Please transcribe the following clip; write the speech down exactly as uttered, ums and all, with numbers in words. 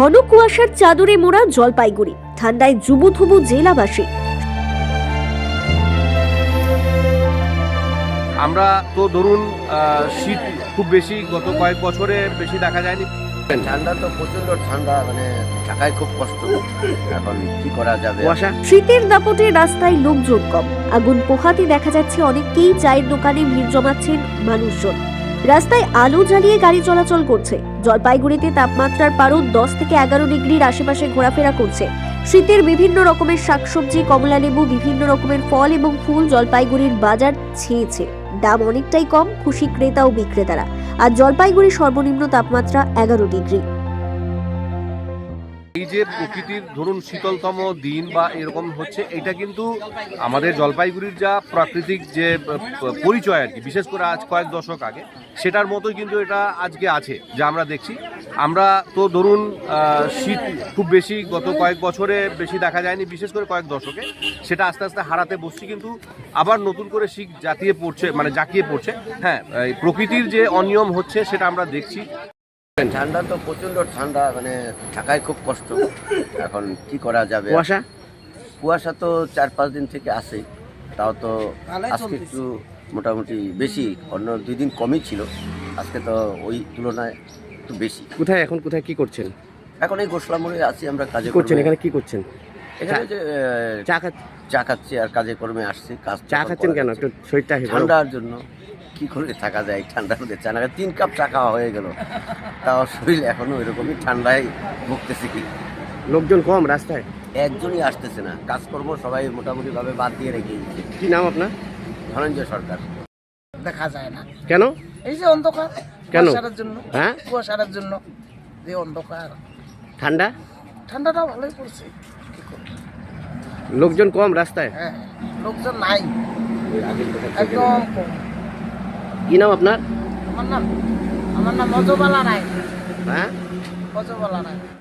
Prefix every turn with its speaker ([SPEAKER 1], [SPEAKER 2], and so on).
[SPEAKER 1] ঘন কুয়াশার চাদরে মোড়া জলপাইগুড়ি, ঠান্ডায় জুবুথুবু জেলাবাসী।
[SPEAKER 2] আমরা তো ধরুন শীত খুব বেশি গত কয়েক বছরে বেশি দেখা যায়নি।
[SPEAKER 3] ঠান্ডা তো প্রচন্ড ঠান্ডা, মানে থাকায় খুব কষ্ট। এখন কি করা যাবে?
[SPEAKER 1] শীতের দাপটে রাস্তায় লোকজন কম, আগুন পোহাতে দেখা যাচ্ছে অনেককেই চায়ের দোকানে ভিড় জমাচ্ছেন মানুষজন। রাস্তায় আলো জ্বালিয়ে গাড়ি চলাচল করছে। জলপাইগুড়িতে তাপমাত্রার পারদ দশ থেকে এগারো ডিগ্রির আশেপাশে ঘোরাফেরা করছে। শীতের বিভিন্ন রকমের শাকসবজি, কমলা লেবু, বিভিন্ন রকমের ফল এবং ফুল জলপাইগুড়ির বাজার ছেয়েছে। দাম অনেকটাই কম, খুশি ক্রেতা ও বিক্রেতারা। আর জলপাইগুড়ির সর্বনিম্ন তাপমাত্রা এগারো ডিগ্রি।
[SPEAKER 2] এই যে প্রকৃতির ধরুন শীতলতম দিন বা এরকম হচ্ছে, এটা কিন্তু আমাদের জলপাইগুড়ির যা প্রাকৃতিক যে পরিচয় আর কি, বিশেষ করে আজ কয়েক দশক আগে সেটার মতোই কিন্তু এটা আজকে আছে যা আমরা দেখছি। আমরা তো ধরুন শীত খুব বেশি গত কয়েক বছরে বেশি দেখা যায়নি, বিশেষ করে কয়েক দশকে সেটা আস্তে আস্তে হারাতে বসছি, কিন্তু আবার নতুন করে শীত জাতিয়ে পড়ছে, মানে জাঁকিয়ে পড়ছে। হ্যাঁ, এই প্রকৃতির যে অনিয়ম হচ্ছে সেটা আমরা দেখছি।
[SPEAKER 3] ঠান্ডা তো প্রচন্ড ঠান্ডা, মানে থাকায় খুব কষ্ট। এখন কি করা যাবে?
[SPEAKER 4] কুয়াশা
[SPEAKER 3] কুয়াশা তো চার পাঁচ দিন থেকে আসে, তাও তো আজকে একটু মোটামুটি বেশি, অন্য দুই দিন কমই ছিল, আজকে তো ওই তুলনায় একটু বেশি।
[SPEAKER 4] কোথায় এখন কোথায় কি করছেন?
[SPEAKER 3] এখন এই গোসলা মোড়ে আছি আমরা, কাজে
[SPEAKER 4] করছেন।
[SPEAKER 3] কর্মে।
[SPEAKER 4] এখানে কি করছেন?
[SPEAKER 3] এখানে যে
[SPEAKER 4] চা খাচ্ছেন?
[SPEAKER 3] চা খাচ্ছি আর কাজে কর্মে আসছি। কাজ
[SPEAKER 4] চা খাচ্ছেন কেন? একটু শরীরটা
[SPEAKER 3] ঠান্ডার জন্য। কি করে থাকা যায় ঠান্ডার মধ্যে? চা না তিন কাপ চা খাওয়া হয়ে গেল, তাও শরীর এখনো এরকমই ঠান্ডায় ভুগতেছি। কি
[SPEAKER 4] লোকজন কম রাস্তায়,
[SPEAKER 3] একজনই আসতেছে না, কাজকর্ম সবাই মোটামুটি ভাবে বাদ দিয়ে রেখে দিচ্ছে।
[SPEAKER 4] কি নাম আপনার?
[SPEAKER 3] ধনঞ্জয় সরকার।
[SPEAKER 5] দেখা যায় না।
[SPEAKER 4] কেন?
[SPEAKER 5] এই যে অন্ধকার,
[SPEAKER 4] কেন?
[SPEAKER 5] কুয়াশার জন্য।
[SPEAKER 4] হ্যাঁ,
[SPEAKER 5] কুয়াশার জন্য যে অন্ধকার।
[SPEAKER 4] ঠান্ডা,
[SPEAKER 5] ঠান্ডাটা ভালোই পড়ছে, কি করব?
[SPEAKER 4] লোকজন কম রাস্তায়।
[SPEAKER 5] হ্যাঁ, লোকজন নাই, একদম কম।
[SPEAKER 4] কি নাম আপনার?
[SPEAKER 5] আমার নাম আমার নাম মজবালা রায়।
[SPEAKER 4] হ্যাঁ,
[SPEAKER 5] মজবালা রায়।